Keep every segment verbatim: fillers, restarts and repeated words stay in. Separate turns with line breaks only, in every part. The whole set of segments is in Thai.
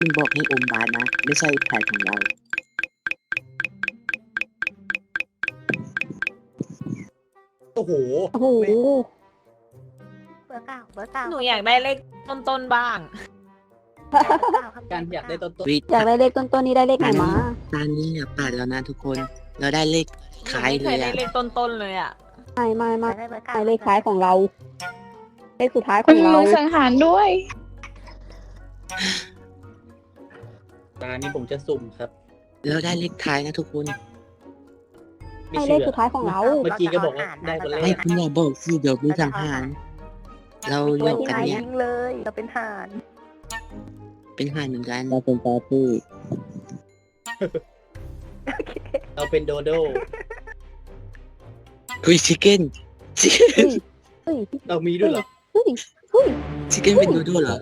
มันบอกให้อมบาสนะไม่ใช่แผนของเรา
โอ้โห
โอ้โห
เบอร์เก้าเบอร์เก้า
หนูอยากได้เลขต้นๆบ้าง
เบอร์เก้าครับ
การอยากได้ต้นต้น
วิ
อยากได้เลขต้นๆนี้ได้เลขไหนมา
ตอนนี้อย่าปาดแล้วนะทุกคน เราได้เลข
หนู
ท้าย
ไม่
เล
เคย
ย
ได้
อะ
เลขต้นๆเลยอ่ะ
ไม่ไม่
อ
ไม่
ยากได้เบอร์เก้า
ไม่เลขท้ายของเรา เลขสุดท้ายข
คุ
อ
ณ
งเรา
มือสังหารด้วย
ตานี้ผมจะสุ่มครับ
เราได้เลขท้ายนะทุกคน
ไม่
ให้เล
เชื่
ข
อ
สุดท้ายของเรา
เมื่อกี้ก็บอกว่าได้คนแร
ไม่
ก
คุณอย่าบอกสิเดี๋ยวมีสังหารเราหยอกกันเนี่ย
ยิงเลยเราเป็นห่าน
เป็นห่านเหมือนกันเราเป็นปาร์ตี้
เราเป็นโดโด
คุยชิคเก้นชิคเก้น
เฮ้ย
เรามีด้วยเหรอ
เฮ้ยเฮ้ย
ชิคเก้นเป็นโดโด้เหรอ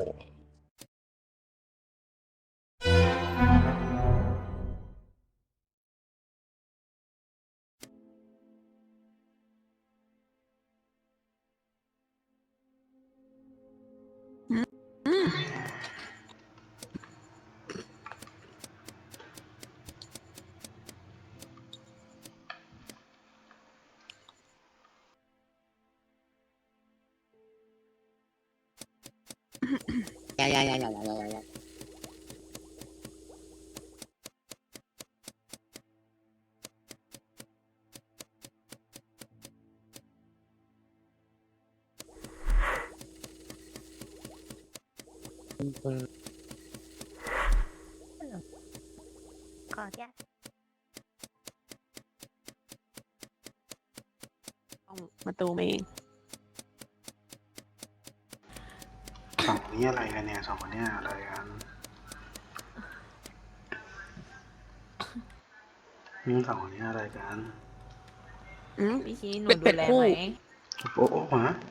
ยายายายายายายา
ขอแยก
ประตูเอง
สองคนนี้อะไรกันเนี่ยสองคนนี้อะไรกันนี่สองคนนี้อะไรกัน
อืม
พี่ชี้หนู
เป็น
ดู
เป็ด
แล
คู่
ไหม
โอ้โอ้ฮะ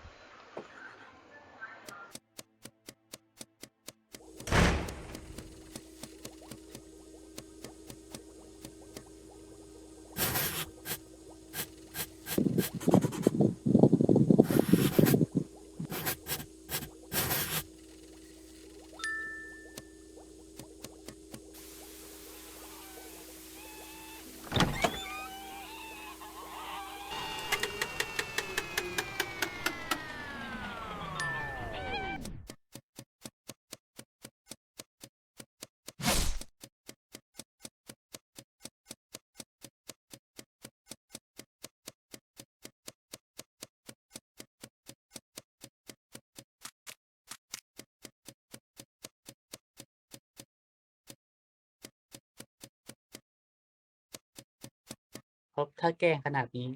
เพราะถ้าแกล้งขนาดนี้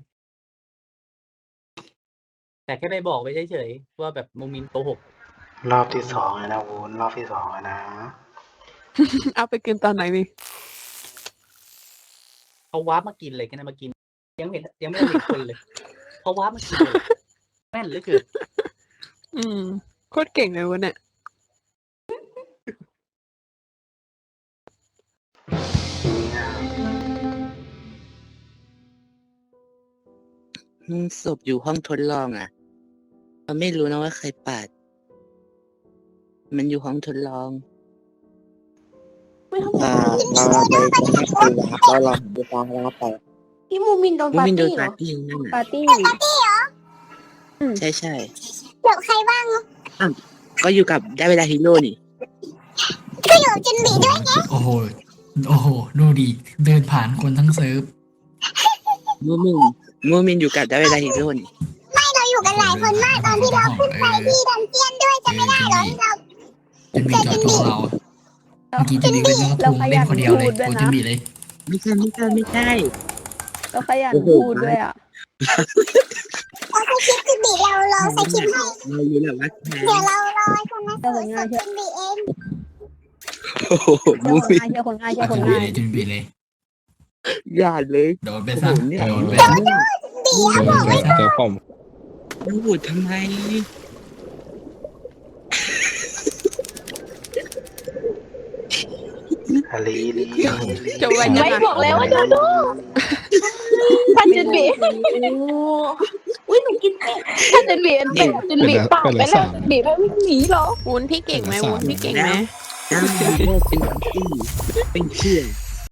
แต่แค่ไปบอกไปเฉยๆว่าแบบโมมินโกหก
รอบที่สองเลยนะวุ้นรอบที่สองเลยนะ
เอาไปกินตอนไหนนี่
เขาวาร์ปมากินเลยกันนะมากิน ยังไม่เห็นยังไม่ได้เห็นคนเลยเขาวาร์ปมากินเลยแม่นเหลือเกิน
อืมโคตรเก่งเลยวะเนี่ย
เนี่ย
อืมศพอยู่ห้องทดลองอ่ะเราไม่รู้นะว่าใครปาด มันอยู่ห้องทดลองอ่าเราเราไปจะให้คุยนะครับเราลองดูฟังแล้วไป
พี่มูมินโดน
มู
ปาร์
มินโดน
ตี้เหร
ปา
อ
ร์ตี้นั่น
ปา
น่ะ
ร์ตี้
ใช่ใช่
เดี๋ยวใครบ้าง
ก็อยู่กับได้เวลาฮีโร่นี่
ก็อยู่จินบีด้วยไง
โอ้โห โอ้โห ดูดิ เดินผ่านคนทั้งเซิร์ฟ
มูมินมูมินอยู่กับได้เวลาฮีโร่นี่
ไม่เราอยู่กันหลายคนมากตอนที่เราขึ้นไปที่ดันเจียนด้วยจะไม่ได้เหรอเรา
จุนบีจอดตัวเรา เมื่อกี้จุนบีก็ยังทูเล่นคนเดียวเลยโอ้จุนบีเลย
ไม่ใช่ไม่ใช่ไม่ใช่
ก็ขยัน
โอ้โห
พูดด้วยอ่ะ
เราใช้คลิปจินบีเราเราใช้คลิปให้
เราอยู่แบบว่าแทน
เดี๋ยวเรารอให้คนนั้นสวยสุดจินบีเอง
โอ้โห
เชื่
มู
อคน
มิน
ง่ายเชื่อคนง่ายเชื่
เอา
อค
จุ
น
นบี
ง่าย
เลยจุนบีเลย
อย่าเลย
โดนไป
โอ้โห
ซะ
เนี่ย
โดนไป
เดี๋
ซะ
ยว
เดี๋ยวผม
มันพูดทำไม
อาลีลีลี
จะไว้
ไม่บอกแล้วว่าโดโดถ้าจุนบีอุ้ยหนูกินเป็ดถ้าจุนบีเป็นเป็ดจุนบีปากไปแล้วจุนบีไม่วิ่งหนีหรอ
วุ้นพี่เก่งไหมวุ้นพี่เก่งไหม
ได้เลิกเป็นของที่เป็นเชื่อ